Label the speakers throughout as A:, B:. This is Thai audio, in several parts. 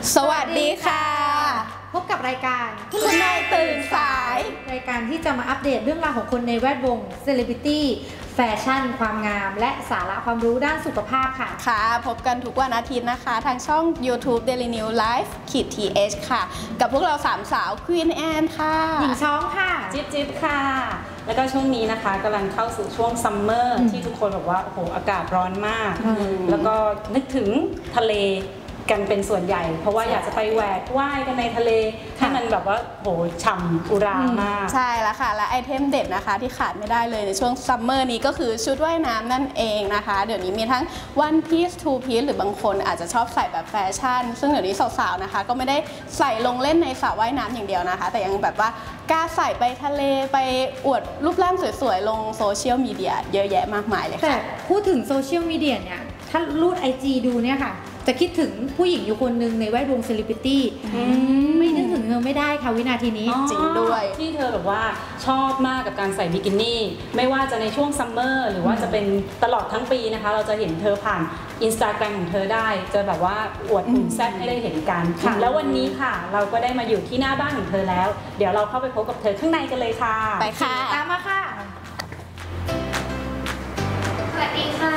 A: สวัสดีค่ะ
B: พบกับรายการ
A: คุณนายตื่นสาย
B: รายการที่จะมาอัปเดตเรื่องราวของคนในแวดวงเซเลบริตี้แฟชั่นความงามและสาระความรู้ด้านสุขภาพค่ะ
A: ค่ะพบกันทุกวันอาทิตย์นะคะทางช่อง YouTube Daily New Life _th ค่ะกับพวกเราสามสาว Queen Anne ค่ะ
B: หญิงช้องค่ะ
C: จิ๊บค่ะแล้วก็ช่วงนี้นะคะกำลังเข้าสู่ช่วงซัมเมอร์ที่ทุกคนบอกว่าโอ้โหอากาศร้อนมากแล้วก็นึกถึงทะเลกันเป็นส่วนใหญ่เพราะว่าอยากจะไปแหวกว่ายกันในทะเลให้มันแบบว่าโหฉ่ำอุรามาก
A: ใช่แล้วค่ะและไอเทมเด็ดนะคะที่ขาดไม่ได้เลยในช่วงซัมเมอร์นี้ก็คือชุดว่ายน้ำนั่นเองนะคะเดี๋ยวนี้มีทั้ง one piece two piece หรือบางคนอาจจะชอบใส่แบบแฟชั่นซึ่งเดี๋ยวนี้สาวๆนะคะก็ไม่ได้ใส่ลงเล่นในสระว่ายน้ำอย่างเดียวนะคะแต่ยังแบบว่ากล้าใส่ไปทะเลไปอวดรูปร่างสวยๆลงโซเชียลมีเดียเยอะแยะมากมายเลยค่ะ
B: แต่พูดถึงโซเชียลมีเดียเนี่ยถ้ารูด IG ดูเนี่ยค่ะจะคิดถึงผู้หญิงอยู่คนหนึ่งในแวดวงเซเลบริตี้ไม่นึกถึงเธอไม่ได้ค่ะวินาทีนี้
A: จริงด้วย
C: ที่เธอแบบว่าชอบมากกับการใส่บิกินี่ไม่ว่าจะในช่วงซัมเมอร์หรือว่าจะเป็นตลอดทั้งปีนะคะเราจะเห็นเธอผ่าน Instagram ของเธอได้จะแบบว่าอวดหุ่นแซ่บให้ได้เห็นกันแล้ววันนี้ค่ะเราก็ได้มาอยู่ที่หน้าบ้านของเธอแล้วเดี๋ยวเราเข้าไปพบกับเธอข้างในกันเลยค่ะ
A: ไปค่ะ
B: ตามมาค่ะสวัสดีค่ะ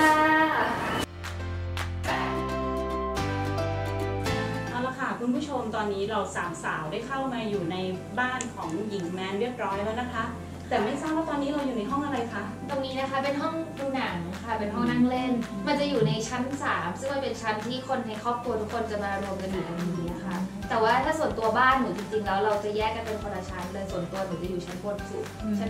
C: คุณผู้ชมตอนนี้เราสามสาวได้เข้ามาอยู่ในบ้านของหญิงแมนเรียบร้อยแล้วนะคะแต่ไม่ทราบว่าตอนนี้เราอยู่ในห้องอะไรคะ
D: ตรงนี้นะคะเป็นห้องดูหนังค่ะเป็นห้องนั่งเล่นมันจะอยู่ในชั้น3ซึ่งมันเป็นชั้นที่คนในครอบครัวทุกคนจะมารวมกันอยู่ตรงนี้นะคะแต่ว่าถ้าส่วนตัวบ้านหนูจริงๆแล้วเราจะแยกกันเป็นคนละชั้นเลยส่วนตัวหนูจะอยู่ชั้นบนสุดชั้น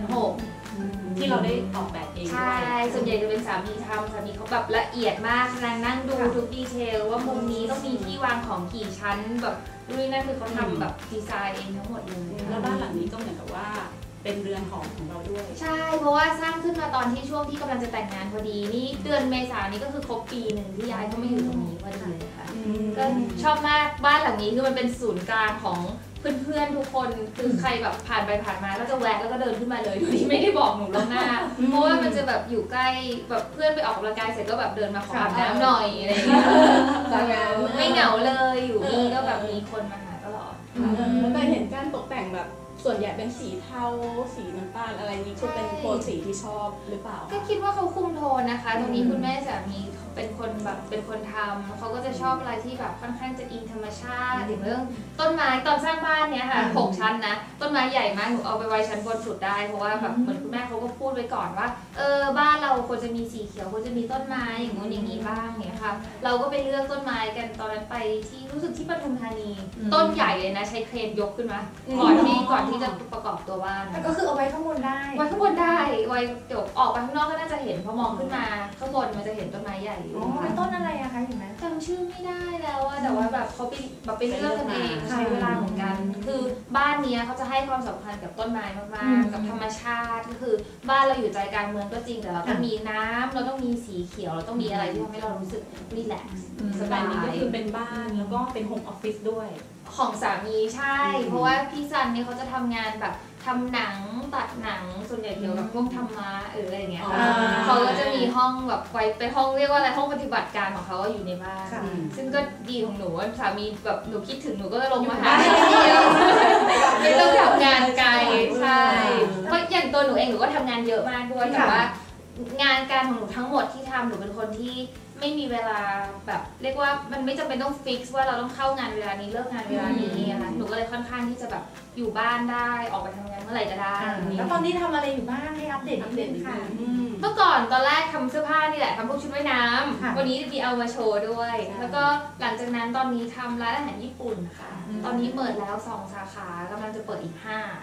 D: 6
C: ที่เราได้ออกแบบเองด้วย
D: ใช่ส่วนใหญ่จะเป็นสามีทำสามีเขาแบบละเอียดมากนั่งดูทุกดีเทลว่ามุมนี้ต้องมีที่วางของกี่ชั้นแบบด้วยนั่นคือเขาทำแบบดีไซน์เองทั้งหมดเลย
C: แล้วบ้านหลังนี้ก็เหมือนกับว่าเป็นเรือนหอของเราด้วย
D: ใช่เพราะว่าสร้างขึ้นมาตอนที่ช่วงที่กำลังจะแต่งงานพอดีนี่เดือนเมษายนนี้ก็คือครบปีหนึ่งที่ย้ายเข้ามาอยู่ตรงนี้พอดีเลยค่ะก็ชอบมากบ้านหลังนี้คือมันเป็นศูนย์กลางของเพื่อนๆทุกคนคือใครแบบผ่านไปผ่านมาก็จะแวะแล้วก็เดินขึ้นมาเลยโดยที่ไม่ได้บอกหนูล่วงหน้าเพราะว่ามันจะแบบอยู่ใกล้แบบเพื่อนไปออกกำลังกายเสร็จก็แบบเดินมาขออาบน้ำหน่อยอะไรอย่างเงี้ยไม่เหงาเลยอยู่นี่ก็แบบมีคนมาหาตลอด
A: แต่เห็นการตกแต่งแบบส่วนใหญ่เป็นสีเทาสีน้ำตาลอะไรนี้คือเป็นโทนสีที่ชอบหรือเปล่า
D: ก็คิดว่าเขาคุมโทนนะคะตรงนี้คุณแม่สามีเป็นคนแบบเป็นคนทำเขาก็จะชอบอะไรที่แบบค่อนข้างจะอิงธรรมชาติถึงเรื่องต้นไม้ตอนสร้างบ้านเนี้ยค่ะ6 ชั้นนะต้นไม้ใหญ่มากหนูเอาไปไว้ชั้นบนสุดได้เพราะว่าแบบเหมือนคุณแม่เขาก็พูดไว้ก่อนว่าบ้านเราควรจะมีสีเขียวควรจะมีต้นไม้อย่างงู้นอย่างนี้บ้างเนี่ยค่ะเราก็ไปเลือกต้นไม้กันตอนนั้นไปที่รู้สึกที่ปทุมธานีต้นใหญ่เลยนะใช้เครนยกขึ้นมาก่อนที่จะประกอบตัวบ้าน
B: ก็คือเอาไว้ข้างบนได้
D: ไว้ข้างบนได้ไว้เดี๋ยวออกไปข้างนอกก็น่าจะเห็นพอมองขึ้นมาข้างบนมันจะเห็นต้นไม้ใหญ่อยู่
B: เป็นต้นอะไรอะคะเห็นไหม
D: จำชื่อไม่ได้แล้วอะแต่ว่าแบบเขาไปเลือกกันเองใช้เวลาของกันคือบ้านนี้เขาจะให้ความสำคัญกับต้นไม้มากๆกับธรรมชาติก็คือบ้านเราอยู่ใจกลางเมืองก็จริงแต่เราต้องมีน้ำเราต้องมีสีเขียวเราต้องมีอะไรที่ทำให้เรารู้สึกรีแลกซ์
C: สบายนี้ก็คือเป็นบ้านแล้วก็เป็นโฮมออฟฟิศด้วย
D: ของสามีใช่เพราะว่าพี่ซันเนี่ยเขาจะทำงานแบบทำหนังตัดหนังส่วนใหญ่เกี่ยวกับพวกธรรมะอะไรอย่างเงี้ยค่ะเขาก็จะมีห้องแบบไว้เป็นห้องเรียกว่าอะไรห้องปฏิบัติการของเขาอยู่ในบ้านซึ่งก็ดีของหนูว่าสามีแบบหนูคิดถึงหนูก็จะลงมาหาไม่ต้องทำงานไกลใช่เพราะอย่างตัวหนูเองหนูก็ทำงานเยอะมากด้วยแต่ว่างานการของหนูทั้งหมดที่ทำหนูเป็นคนที่ไม่มีเวลาแบบเรียกว่ามันไม่จำเป็นต้องฟิกซ์ว่าเราต้องเข้างานเวลานี้เลิกงานเวลานี้นะคะหนูก็เลยค่อนข้างที่จะแบบอยู่บ้านได้ออกไปทำงานเมื่อไหร่ก็ได้
B: แล้วตอนนี้ทำอะไรอยู่บ้างให้อัปเดตนิดนึงค่ะ
D: เมื่อก่อนตอนแรกทำเสื้อผ้านี่แหละทำพวกชุดว่ายน้ำวันนี้มีเอามาโชว์ด้วยแล้วก็หลังจากนั้นตอนนี้ทำร้านอาหารญี่ปุ่นค่ะตอนนี้เปิดแล้ว2 สาขากำลังจะเปิดอีก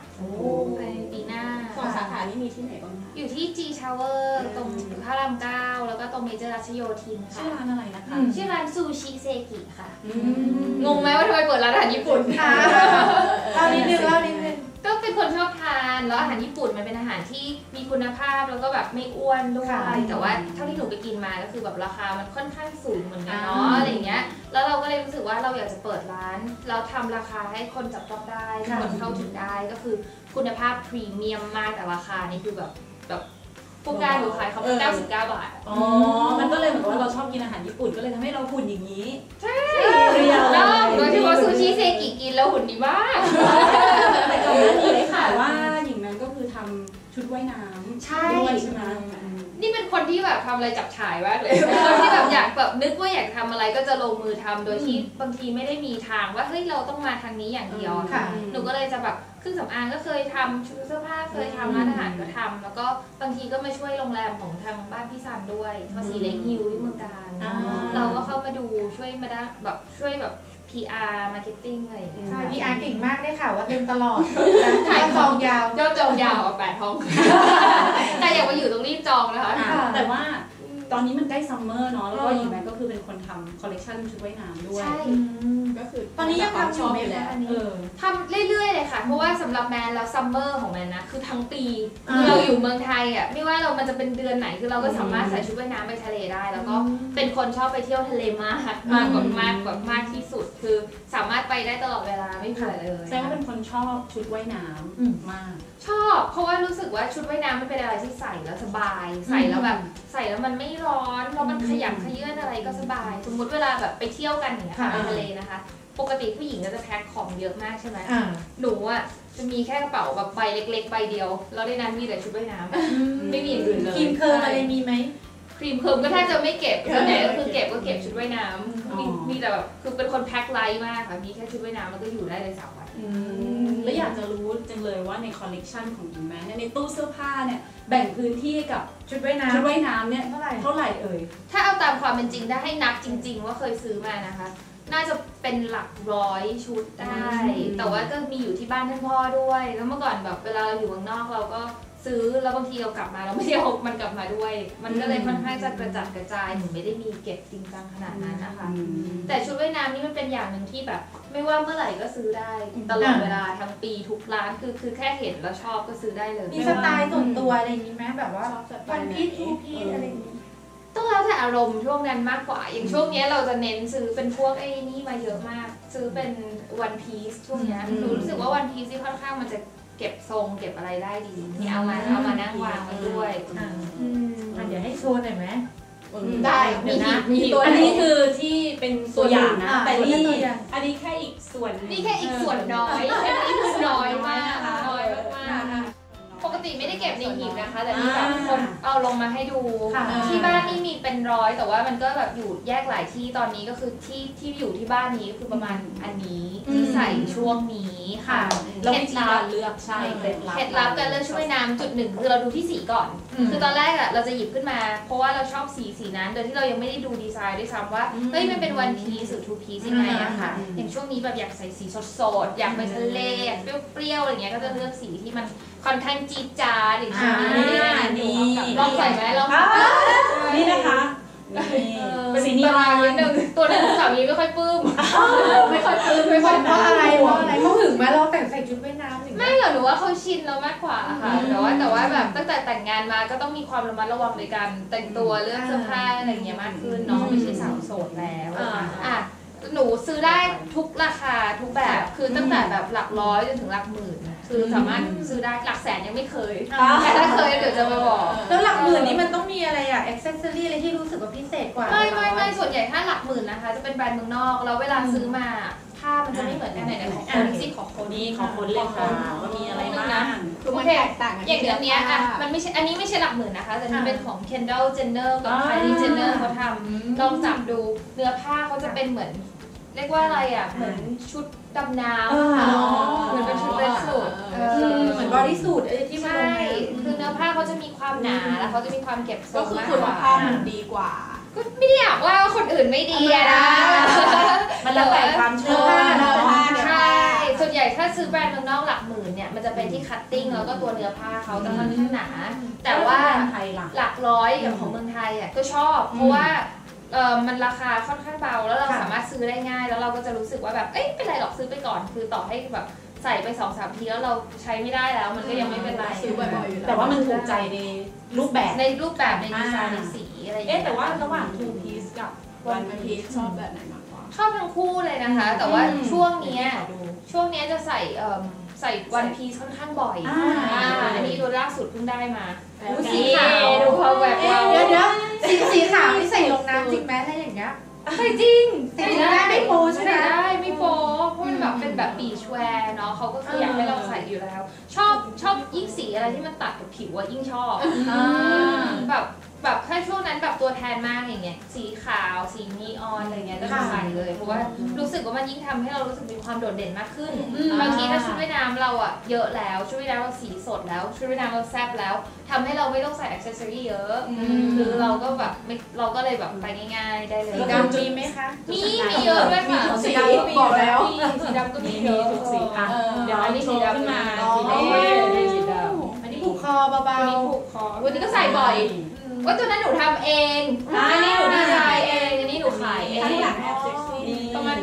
D: 5ในปีหน้า
A: 2 สาขานี่มีที่ไหนบ้างคะ
D: อยู่ที่ G Tower ตรงพระราม 9แล้วก็ตรงเมเจอร์รัชโยธินค่ะ
A: ชื่อร้านอะไรนะคะ
D: ชื่อร้านซูชิเซกิค่ะงงไหมว่าทำไมเปิดร้านอาหารญี่ปุ่น
B: ค่ะเล่านิดนึง
D: ก็เป็นคนชอบทานแล้วอาหารญี่ปุ่นมันเป็นอาหารที่มีคุณภาพแล้วก็แบบไม่อ้วนด้วยแต่ว่าเท่าที่หนูไปกินมาก็คือแบบราคามันค่อนข้างสูงเหมือนกันเนาะอะไรอย่างเงี้ยแล้วเราก็เลยรู้สึกว่าเราอยากจะเปิดร้านแล้วทำราคาให้คนจับต้องได้คนเข้าถึงได้ก็คือคุณภาพพรีเมียมมากแต่ราคานี่คือแบบฟูกาหนูขายเขา99 บาท
C: อ๋อมันก็เลยเหมือนว่าเราชอบกินอาหารญี่ปุ่นก็เลยทำให้เราหุ่นอย่างนี้
D: ใช่แล้วโดยเฉพาะซูชิเซกิกินแล้วหุ่นดีมาก
C: แต่ก่อนหน้านี้ได้ข่าวว่าหญิงนั้นก็คือทำชุดว่ายน้ำด้วยใช่ไหม
D: นี่เป็นคนที่แบบทำอะไรจับฉ่ายมากเลยคนที่แบบอยากแบบนึกว่าอยากทำอะไรก็จะลงมือทำโดยที่บางทีไม่ได้มีทางว่าเฮ้ยเราต้องมาทางนี้อย่างเดียวค่ะหนูก็เลยจะแบบเครื่องสำอางก็เคยทำชุดเสื้อผ้าเคยทำร้านอาหารก็ทำแล้วก็บางทีก็มาช่วยโรงแรมของทางบ้านพี่ซันด้วยภาษีเล็กฮิวที่เมืองการเราก็เข้ามาดูช่วยมาได้แบบช่วยแบบ PR marketing อะไรอย่างเงี้ย
B: PR เก่งมากได้ค่ะว่าเต็มตลอดถ่ายจองยาวย
D: อดจองยาว8 ห้องแต่อยากมาอยู่ตรงรีบจองนะคะ
C: แต่ว่าตอนนี้มันใกล้ซัมเมอร์เนาะแล้วก็หญิงแมนก็คือเป็นคนทำคอลเลคชันชุดว่ายน้ำด้วย
D: ใช่
A: ก็คือ
B: ตอนนี้ยังทำอยู่ไหมคะ
D: ทำเรื่อยๆเลยค่ะเพราะว่าสำหรับแมนแล้วซัมเมอร์ของแมนนะคือทั้งปีเราอยู่เมืองไทยอ่ะไม่ว่าเรามันจะเป็นเดือนไหนคือเราก็สามารถใส่ชุดว่ายน้ำไปทะเลได้แล้วก็เป็นคนชอบไปเที่ยวทะเลมากมากที่สุดคือสามารถไปได้ตลอดเวลาไม่เบื่อเลย
C: แสดงว่าเป็นคนชอบชุดว่ายน้ำมาก
D: ชอบเพราะว่ารู้สึกว่าชุดว่ายน้ำมันเป็นอะไรที่ใส่แล้วสบายใส่แล้วแบบใส่แล้วมันไม่ร้อนแล้วมันขยับขยื่นอะไรก็สบายสมมุติเวลาแบบไปเที่ยวกันอย่างเงี้ยไปทะเลนะคะปกติผู้หญิงก็จะแพ็คของเยอะมากใช่ไหมหนูอ่ะจะมีแค่กระเป๋าแบบใบเล็กๆใบเดียวแล้วในนั้นมีแต่ชุดว่ายน้ำไม่มีอย่างอื่นเลย
B: ครีมเคิร์มอะไรมีไหม
D: ครีมเคิร์มก็แทบจะไม่เก็บส่วนใหญ่ก็คือเก็บชุดว่ายน้ำมีแต่แบบคือเป็นคนแพ็คไลท์มากค่ะมีแค่ชุดว่ายน้ำแล้วก็อยู่ได้เลย3 วัน
C: แล้วอยากจะรู้จังเลยว่าในคอลเลกชันของหญิงแมนในตู้เสื้อผ้าเนี่ยแบ่งพื้นที่กับ
B: ชุดว่ายน้
C: ำเนี่ยเท่าไหร่เอ่ย
D: ถ้าเอาตามความเป็นจริงได้ให้นับจริงๆว่าเคยซื้อมานะคะน่าจะเป็นหลัก100 ชุดได้แต่ว่าก็มีอยู่ที่บ้านท่านพ่อด้วยแล้วเมื่อก่อนแบบเวลาเราอยู่เมืองนอกเราก็ซื้อแล้วบางทีเรากลับมาเราไม่ได้เอามันกลับมาด้วยมันก็เลยค่อนข้างจะกระจัดกระจายหนูไม่ได้มีเก็บจริงจังขนาดนั้นนะคะแต่ชุดว่ายน้ำนี่มันเป็นอย่างหนึ่งที่แบบไม่ว่าเมื่อไหร่ก็ซื้อได้ตลอดเวลาทั้งปีทุกร้านคือแค่เห็นแล้วชอบก็ซื้อได้เลย
B: มีสไตล์ส่วนตัวอะไรอย่างนี้ไหมแบบว่าวันพีชทูพีชอะไรอย่างนี้
D: ต้องแล้วแต่อารมณ์ช่วงนั้นมากกว่าอย่างช่วงนี้เราจะเน้นซื้อเป็นพวกไอ้นี่มาเยอะมากซื้อเป็นวันพีซช่วงนี้หนูรู้สึกว่าวันพีซที่ค่อนข้างมันจะเก็บทรงเก็บอะไรได้ดีนี่เอามานั่งวางไว้ด้วย
B: เดี๋ยวให้โชว์หน่อยไหม
D: ได้เดี๋ยวนะ
C: มีตัวอันนี้คือที่เป็นตัวอย่างนะแต่นี่อันนี้แค่อีกส่วน
D: นี่แค่อีกส่วนน้อยอันนี้คือน้อยมากน้อยมากปกติไม่ได้เก็บในหีบนะคะแต่นี่แบบคนเอาลงมาให้ดูที่บ้านนี่มีเป็น100แต่ว่ามันก็แบบอยู่แยกหลายที่ตอนนี้ก็คือที่อยู่ที่บ้านนี้คือประมาณอันนี้ที่ใส่ช่วงนี้ค่ะ
C: เคล็ดลับเลือกใช่
D: เคล็ดลับการเลือกชุดว่ายน้ำจุดหนึ่งคือเราดูที่สีก่อนคือตอนแรกอ่ะเราจะหยิบขึ้นมาเพราะว่าเราชอบสีนั้นโดยที่เรายังไม่ได้ดูดีไซน์ด้วยซ้ำว่าเฮ้ยมันเป็นวันพีซหรือทูพีซยังไงอะค่ะอย่างช่วงนี้แบบอยากใส่สีสดๆอยากไปทะเลอยากเปรี้ยวๆอะไรเงี้ยก็จะเลือกสีที่มันค่อนข้างจี๊ดจ๊าดอย่างนี้ลองใส่ไหมลอง
C: นี่นะคะ
D: เป็นสีนี้มานิดนึงตัวนึงสามีไม่ค่อยปลื้ม
B: ไม่ค่อยเพราะอะไรเขาหึงไหมเราแต่งใส่ชุดว่ายน้ำ
D: ไม่หรอกหนูว่าเขาชินเรามากกว่าค่ะแต่ว่าแบบตั้งแต่แต่งงานมาก็ต้องมีความระมัดระวังในการแต่งตัวเลือกเสื้อผ้าอะไรอย่างเงี้ยมากขึ้นเนาะไม่ใช่สาวโสดแล้วหนูซื้อได้ทุกราคาทุกแบบคือตั้งแต่แบบหลักร้อยจนถึงหลักหมื่นคือสามารถซื้อได้หลักแสนยังไม่เคยแต่ถ้าเคยเดี๋ยวจะมาบอก
B: แล้วหลักหมื่นนี้มันต้องมีอะไรอะอ็อกเซสซอรี่อะไรที่รู้สึกว่าพิเศษกว่า
D: ไม่ส่วนใหญ่ถ้าหลักหมื่นนะคะจะเป็นแบรนด์เมืองนอกแล้วเวลาซื้อมาผ้ามันจะไม่เหมือนกันไหนของคนซิของคน
C: นี้ของคนเลยค่ะว่ามีอะไรบ้าง
D: โอเคอย่างเดือนนี้อ่ะมันไม่ใช่อันนี้ไม่ใช่หลักหมื่นนะคะแต่นี่เป็นของ Kendall Jenner กับ Kylie Jenner เขาทำลองจับดูเนื้อผ้าเขาจะเป็นเหมือนเรียกว่าอะไรอ่ะเหมือนชุดดำน้ำค่ะเหมือนเป็นชุดเวสสูท
B: เหมือนบอดี้สูทที่
D: ใช่คือเนื้อผ้าเขาจะมีความหนาแล้วเขาจะมีความเก็บทรงมากกว่า
A: ผ้ามันดีกว่า
D: ก็ไม่ได้อยากว่าคนอื่นไม่ดีนะ
C: มันแล้วแต่ความชอบ
D: ใช่ส่วนใหญ่ถ้าซื้อแบรนด์เมืองนอกหลักหมื่นเนี่ยมันจะเป็นที่คัตติ้งแล้วก็ตัวเนื้อผ้าเขาจะค่อนข้างหนาแต่ว่าหลักร้อยอย่างของเมืองไทยอ่ะก็ชอบเพราะว่ามันราคาค่อนข้างเบาแล้วเราสามารถซื้อได้ง่ายแล้วเราก็จะรู้สึกว่าแบบเอ้ยเป็นไรหรอกซื้อไปก่อนคือต่อให้แบบใส่ไป 2-3 ทีแล้วเราใช้ไม่ได้แล้วมันก็ยังไม่เป็นไร
A: ซื้อบ่อยๆอยู่
C: แต่ว่ามันถูกใจในรูปแบบ
D: ในดีไซน์ในสีอะไรอย่าง
C: เงี้ยแต่ว่าระหว่าง two piece กับ
A: one piece ชอบแบบไหนมากกว่า
D: ชอบทั้งคู่เลยนะคะแต่ว่าช่วงนี้จะใส่ใส่วันพีซค่อนข้างบ่อยอันนี้ตัวล่าสุดเพิ่งได้มาสีขาว
B: ดู
D: เขาแบบว่า
B: เดี๋ยวสีขาวที่ใส่ลงน้ำจริงไหมถ้าอย่างเงี้ย
D: ใส่จริง
B: ใส่ได้ไม่โป๊ใช่ไหม
D: ใส่ได้ไม่โป๊เพราะมันแบบเป็นแบบบีชแวร์เนาะเขาก็คืออยากให้เราใส่อยู่แล้ว ชอบยิ่งสีอะไรที่มันตัดกับผิวอะยิ่งชอบแบบถ้าช่วงนั้นแบบตัวแทนมากอย่างเงี้ยสีขาวสีนีออนอะไรเงี้ยก็จะใส่เลยเพราะว่ารู้สึกว่ามันยิ่งทำให้เรารู้สึกมีความโดดเด่นมากขึ้นบางทีถ้าชุดว่ายน้ำเราอะเยอะแล้วชุดว่ายน้ำเราสีสดแล้วชุดว่ายน้ำเราแซ่บแล้วทำให้เราไม่ต้องใส่อ็อกเซสซอรี่เยอะคือเราก็แบบเราก็เลยแบบไปง่ายๆได้เลย
B: สีดำมีไหมคะ
D: มีเยอะด้วยค่ะ
B: สีดำบอกแล้ว
D: สีดำก็มีเยอะ
C: ทุกสีค่ะเดี๋ยวอันนี้สีดำขึ้นมาสีแดงสีดำ
B: อันนี้ผูกคอเบา
D: วันนี้ผูกคอวันนี้ก็ใส่บ่อยว่าตัวนั้นหนูทำเองอันนี้หนูดีไซน์เองอันนี้หนูขายเอง
B: ข้างหลังแอบเซ็กซี่
D: ประมาณ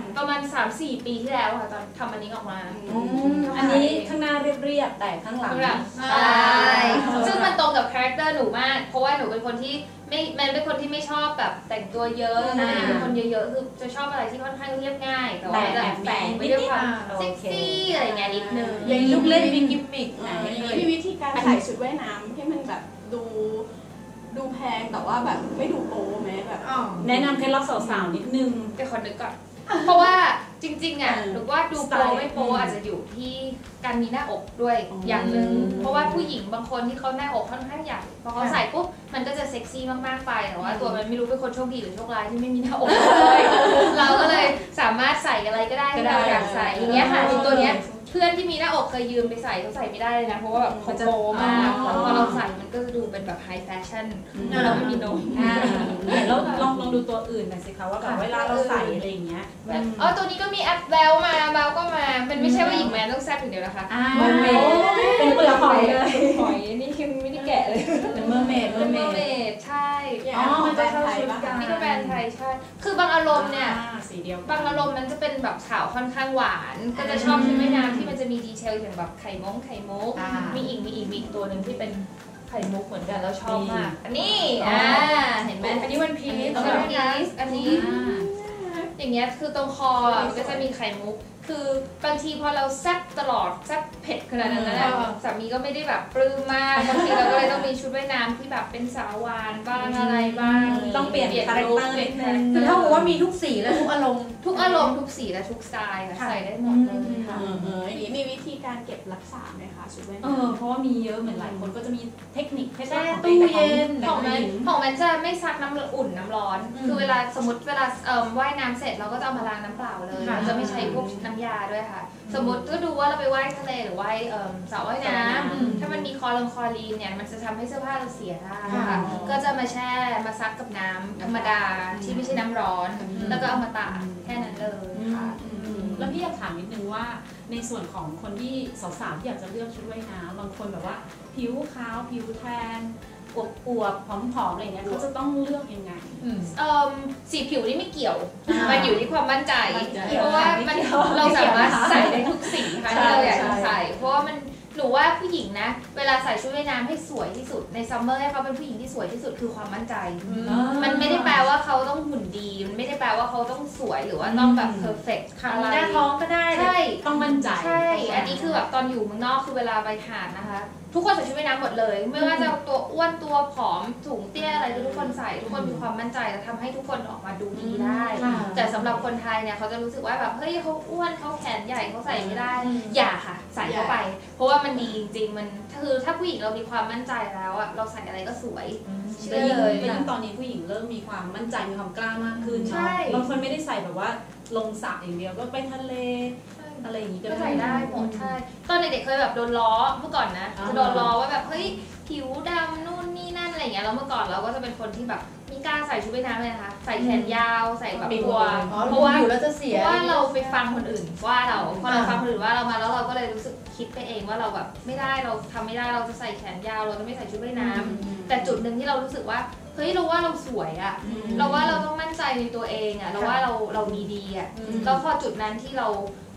D: 3-4 ปีที่แล้วค่ะตอนทำอันนี้ออกมา
C: อันนี้ข้างหน้าเรียบๆแต่ข้างหลัง
D: ใช่ซึ่งมันตรงกับคาแรคเตอร์หนูมากเพราะว่าหนูเป็นคนที่มันเป็นคนที่ไม่ชอบแบบแต่งตัวเยอะนะเป็นคนเยอะๆคือจะชอบอะไรที่ค่อนข้างเรียบง่ายแต่ว่าแบบแฝงไปด้วยความเซ็กซี่อะไรเงี้ยนิดนึง
B: อย่างลูกเล่นมีกิมมิคไหน
A: มีวิธีการใส่ชุดว่ายน้ำให้มันแบบดูแพงแต่ว่าแบบไม่ดูโป๊ไหมแบบ
C: แนะนำเคล็ดลับสาวๆนิดนึง
D: เดี๋ยวขอนึกก่อน เพราะว่าจริงๆอ่ะหรือว่าดูโปรไม่โปรอาจจะอยู่ที่การมีหน้าอกด้วยอย่างหนึ่งเพราะว่าผู้หญิงบางคนที่เขาหน้าอกค่อนข้างใหญ่พอเขาใส่ปุ๊บมันก็จะเซ็กซี่มากๆไปแต่ว่าตัวมันไม่รู้เป็นคนโชคดีหรือโชคร้ายที่ไม่มีหน้าอกเลยเราก็เลยสามารถใส่อะไรก็ได้ที่เราอยากใส่อย่างเงี้ยค่ะตัวเนี้ยเพื่อนที่มีหน้าอกเคยยืมไปใส่เขาใส่ไม่ได้เลยนะเพราะว่าแบบเขาโปรมากพอเราใส่มันก็จะดูเป็นแบบไฮแฟชั่นเราไม่มีนม
C: แล้วลองดูตัวอื่นหน่อยสิคะว่าแบบเวลาเราใส่อะไรอย่างเงี้ย
D: ตัวนี้ก็มีแอปแววมาเบลก็มามันไม่ใช่ว่าหญิงแมนต้องแซ่บอย่างเดียวนะคะ
C: เป็นเปลือกหอยเลย
D: หอยนี่คือไม่ได้แกะเลย
B: เป็นเมอร์เมด
D: ใช่
A: มันจะเข้าชุดกัน
D: นี่ก็แบรนด์ไทยใช่คือบางอารมณ์เนี่ย
C: สีเดียว
D: บางอารมณ์มันจะเป็นแบบขาวค่อนข้างหวานก็จะชอบชุดว่ายน้ำที่มันจะมีดีเทลอย่างแบบไข่มุกมีอีกตัวหนึ่งที่เป็นไข่มุกเหมือนกันแล้วชอบมากอันนี้เห็นไหมอันนี้วันพีซอันนี้อย่างเงี้ยคือตรงคอมันก็จะมีไข่มุกคือบางทีพอเราแซ่บตลอดแซ่บเผ็ดขนาดนั้นนะสามีก็ไม่ได้แบบปลื้มมากบางทีเราก็เลยต้องมีชุดว่ายน้ำที่แบบเป็นสาวหวานบ้างอะไรบ้าง
C: ต้องเปลี่ยนคาแรคเตอร์นิดนึง
B: คือเท่ากับว่ามีทุกสีและทุกอารมณ์
D: ทุกสีและทุกสไตล์ค่ะใส่ได้หมดเลยค่ะ
A: อย่างนี้มีวิธีการเก็บรักษาไหมคะชุดว่ายน้ำ
C: เพราะว่ามีเยอะเหมือนหลายคนก็จะมีเทคนิคให้
B: แช่
C: ของ
B: ตู้เย็น
D: ของมันจะไม่ซักน้ำอุ่นน้ำร้อน คือเวลาสมมติเวลาว่ายน้ำเสร็จเราก็จะเอามาล้างน้ำเปล่าเลยเราจะไม่ใช้พวกน้ำยาด้วยค่ะ สมมติก็ดูว่าเราไปว่ายทะเลหรือว่ายสระว่ายน้ำถ้ามันมีคลอรีนเนี่ยมันจะทำให้เสื้อผ้าเราเสียได้ค่ะก็จะมาแช่มาซักกับน้ำธรรมดาที่ไม่ใช่น้ำร้อน แล้วก็เอามาตากแค่นั้นเลยค่ะ
C: แล้วพี่อยากถามนิดนึงว่าในส่วนของคนที่สาวๆที่อยากจะเลือกชุดว่ายน้ำบางคนแบบว่าผิวขาวผิวแทนอวบๆผอมๆอะไรเงี้ยเขาจะต้องเลือกยังไง
D: สีผิวนี่ไม่เกี่ยวมันอยู่ที่ความมั่นใจเพราะว่าเราสามารถใส่ได้ทุกสีค่ะที่เราอยากจะใส่เพราะว่ามันหนูว่าผู้หญิงนะเวลาใส่ชุดว่ายน้ำให้สวยที่สุดในซัมเมอร์ให้เขาเป็นผู้หญิงที่สวยที่สุดคือความมั่นใจมันไม่ได้แปลว่าเขาต้องหุ่นดีมันไม่ได้แปลว่าเขาต้องสวยหรือว่าต้องแบบเพอร์เฟกต์อะไร
B: หน้าท้องก็ได้
D: ใช่
C: ต้องมั่นใจ
D: ใช่อันนี้คือแบบตอนอยู่เมืองนอกคือเวลาไปหาดนะคะทุกคนใส่ชุดว่ายน้ำหมดเลยไม่ว่าจะตัวอ้วนตัวผอมสูงเตี้ยอะไรทุกคนใส่ทุกคนมีความมั่นใจและทำให้ทุกคนออกมาดูดีได้แต่สำหรับคนไทยเนี่ยเขาจะรู้สึกว่าแบบเฮ้ยเขาอ้วนเขาแขนใหญ่เขาใส่ไม่ได้อย่าค่ะใส่เข้าไปเพราะว่ามันดีจริงๆมันคือถ้าผู้หญิงเรามีความมั่นใจแล้วอะเราใส่อะไรก็สวยเชื่อเลย
C: ยิ่งตอนนี้ผู้หญิงเริ่มมีความมั่นใจมีความกล้ามากขึ้น
D: ใช่
C: บางคนไม่ได้ใส่แบบว่าลงสระอย่างเดียวก็ไปทะเลอะไรอย่างนี้ก็
D: ใส่ได้หมดใช่ตอนเด็กๆเคยแบบโดนล้อเมื่อก่อนนะจะโดนล้อว่าแบบเฮ้ยผิวดำนู่นนี่นั่นอะไรอย่างเงี้ยแล้วเมื่อก่อนเราก็จะเป็นคนที่แบบไม่กล้าใส่ชุดว่ายน้ำเลยนะคะใส่แขนยาวใส่แบบกลัวเพราะว่าเราไปฟังคนอื่นว่าเราพอเราฟังคนอื่นว่าเรามาแล้วเราก็เลยรู้สึกคิดไปเองว่าเราแบบไม่ได้เราทำไม่ได้เราจะใส่แขนยาวเราจะไม่ใส่ชุดว่ายน้ำแต่จุดหนึ่งที่เรารู้สึกว่าเฮ้ยเราว่าเราสวยอะเราว่าเราต้องมั่นใจในตัวเองอะเราว่าเรามีดีอะแล้วพอจุดนั้นที่เรา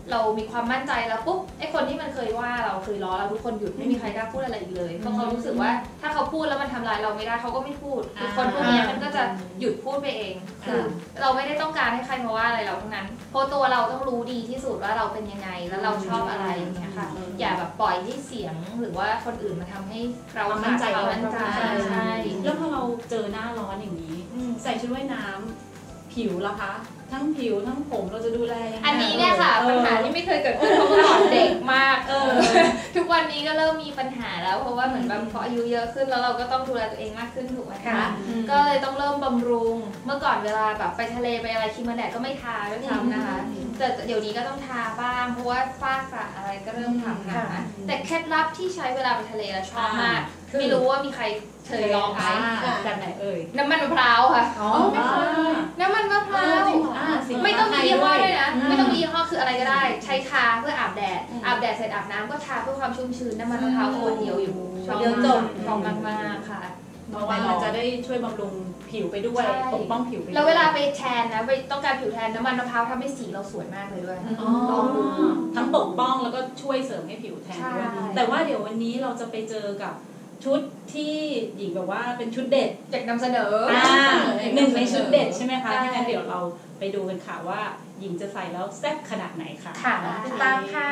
D: เรามีความมั่นใจแล้วปุ๊บไอ้คนที่มันเคยว่าเราเคยล้อเราทุกคนหยุดไม่มีใครกล้าพูดอะไรอีกเลยเพราะเขารู้สึกว่าถ้าเขาพูดแล้วมันทำร้ายเราไม่ได้เขาก็ไม่พูดคนพวกนี้มันก็จะหยุดพูดไปเองคือเราไม่ได้ต้องการให้ใครมาว่าอะไรเราทั้งนั้นเพราะตัวเราต้องรู้ดีที่สุดว่าเราเป็นยังไงแล้วเราชอบอะไรอย่างเงี้ยค่ะอย่าแบบปล่อยให้เสียงหรือว่าคนอื่นมาทำให้เรามั่นใจใช่
E: แล้วพอเราเจอหน้าร้อนอย่างนี้ใส่ชุดว่ายน้ำผิวล่ะคะทั้งผิวทั้งผมเราจะดูแลยังไง
D: อันนี้เนี่ยค่ะปัญหาที่ไม่เคยเกิดขึ้นเพราะว่าตอนเด็กมากทุกวันนี้ก็เริ่มมีปัญหาแล้วเพราะว่าเหมือนแบบพออายุเยอะขึ้นแล้วเราก็ต้องดูแลตัวเองมากขึ้นถูกไหมคะก็เลยต้องเริ่มบำรุงเมื่อก่อนเวลาแบบไปทะเลไปอะไรครีมกันแดดก็ไม่ทาด้วยซ้ำนะคะแต่เดี๋ยวนี้ก็ต้องทาบ้างเพราะว่าฝ้ากระอะไรก็เริ่มถามหาแต่เคล็ดลับที่ใช้เวลาไปทะเลแล้วชอบมากไม่รู้ว่ามีใครเคยลองไหม
E: แบบไหนเอ่ย
D: น้ำมันมะพร้าวค่ะน้ำมันมะพร้าวไม่ต้องมียี่ห้อด้วยนะไม่ต้องมียี่ห้อคืออะไรก็ได้ใช้ทาเพื่ออาบแดดเสร็จอาบน้ำก็ทาเพื่อความชุ่มชื้นน้ำมันมะพร้าวขวดเดียวอยู่ชอบมากค่ะ
E: เพราะว่ามันจะได้ช่วยบำรุงผิวไปด้วยปกป้องผิวไป
D: แล้วเวลาไปแทนนะไปต้องการผิวแทนน้ำมันมะพร้าวทำให้สีเราสวยมากเลยด้วย
E: ทั้งปกป้องแล้วก็ช่วยเสริมให้ผิวแทนด้วยแต่ว่าเดี๋ยววันนี้เราจะไปเจอกับชุดที่หญิงแบบว่าเป็นชุดเด็ด
D: อยากนำเสนอ
E: หนึ่งในชุดเด็ดใช่ไหมคะที่งั้นเดี๋ยวเราไปดูกันค่ะว่าหญิงจะใส่แล้วแซ่บขนาดไหนค่ะ
D: ติดตามค่ะ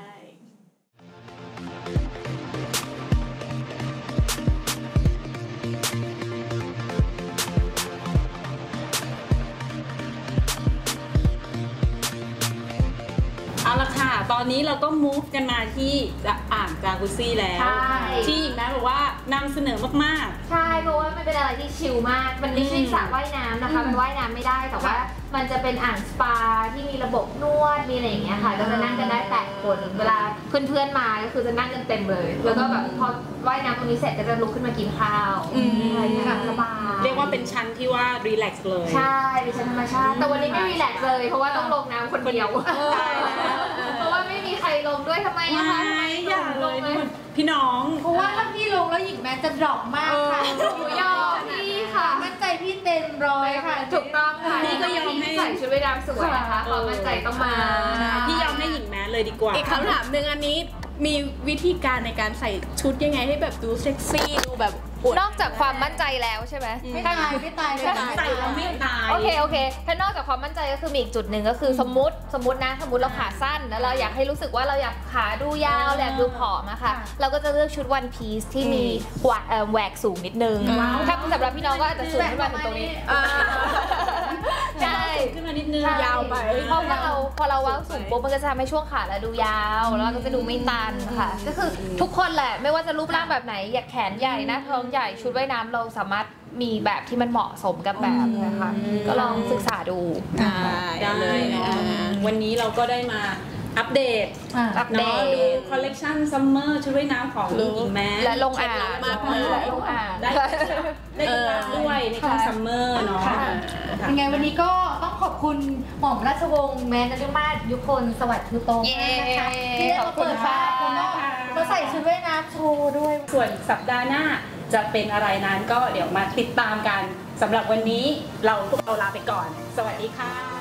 C: เอาละค่ะตอนนี้เราก็ move กันมาที่อ่างจากุซซี่แล้วที่หญิงแม้บอกว่านำเสนอมาก
D: ๆใช่เพราะว่ามันเป็นอะไรที่ชิลมากมันไม่ใช่สระว่ายน้ำนะคะมันว่ายน้ำไม่ได้แต่ว่ามันจะเป็นอ่างสปาที่มีระบบนวดมีอะไรอย่างเงี้ยค่ะก็จะนั่งกันได้8 คนเวลาเพื่อนๆมาก็คือจะนั่งกันเต็มเลยแล้วก็แบบพอว่ายน้ำตรงนี้เสร็จก็จะลุกขึ้นมากินข้าวอะไรอย่างเงี้ยสบาย
C: เรียกว่าเป็นชั้นที่ว่ารีแลกซ์เลย
D: ใช่เป็นชั้นธรรมชาติแต่วันนี้ไม่รีแลกซ์เลยเพราะว่าต้องลงน้ำคนเดียวเพราะว่าไม่มีใครลงด้วยทำไมอะคะ
C: อยากลงเลยพี่น้อง
B: เพราะว่าถ้าพี่ลงแล้วหญิงแม้จะดรอปมากค่ะ
D: หนูยอมพี่ค่ะ
B: มั่นใจพี่เต็ม100ค่ะ
D: ถูกต้องค่ะนี่ก็ยอมให้ใส่ชุดว่ายน้ำสวยนะคะความมั่นใจต้องมา
C: พี่ยอมให้หญิงแม้เลยดีกว่า
A: อีกคำถามหนึ่งอันนี้มีวิธีการในการใส่ชุดยังไงให้แบบดูเซ็กซี่ดูแบบ
D: นอกจากความมั่นใจแล้วใช่ไหม
B: ไม่ตาย
C: ใส่แล้วไม่ตาย
D: โอเคถ้านอกจากความมั่นใจก็คือมีอีกจุดหนึ่งก็คือสมมุติเราขาสั้นแล้วเราอยากให้รู้สึกว่าเราอยากขาดูยาวอยากดูผอมอะค่ะเราก็จะเลือกชุดวันพีซที่มีแหวกสูงนิดนึงถ้าสำหรับพี่น้องก็อาจจะสูงขึ้นมาถึงตรงนี้ใช่
C: ขึ้นมานิดนึง
A: ยาวไป
D: เพราะว่าพอเราวางสูงปุ๊บมันก็จะทำให้ช่วงขาเราดูยาวแล้วก็จะดูไม่ตันค่ะก็คือทุกคนแหละไม่ว่าจะรูปร่างแบบไหนอยากแขนใหญ่หน้าท้องใหญ่ชุดว่ายน้ำเราสามารถมีแบบที่มันเหมาะสมกับแบบนะคะก็ลองศึกษาดู
C: ได้เลยวันนี้เราก็ได้มาอัปเดตดูคอลเลกชันซัมเมอร์ชุดว่ายน้ำของหญิงแม้
D: และลงอ่าง
C: มากเลยลงอ่างได้ด้วยในช่วงซัมเมอร์เนาะ
B: ยังไงวันนี้ก็ต้องขอบคุณหม่อมราชวงศ์แม้นฤมาศยุคนสวัสดิ์ทุโตนะคะที่ได้มาเปิดฟ้ามาใส่ชุดว่ายน้ำโชว์ด้วย
C: ส่วนสัปดาห์หน้าจะเป็นอะไรนั้นก็เดี๋ยวมาติดตามกันสำหรับวันนี้พวกเราลาไปก่อนสวัสดีค่ะ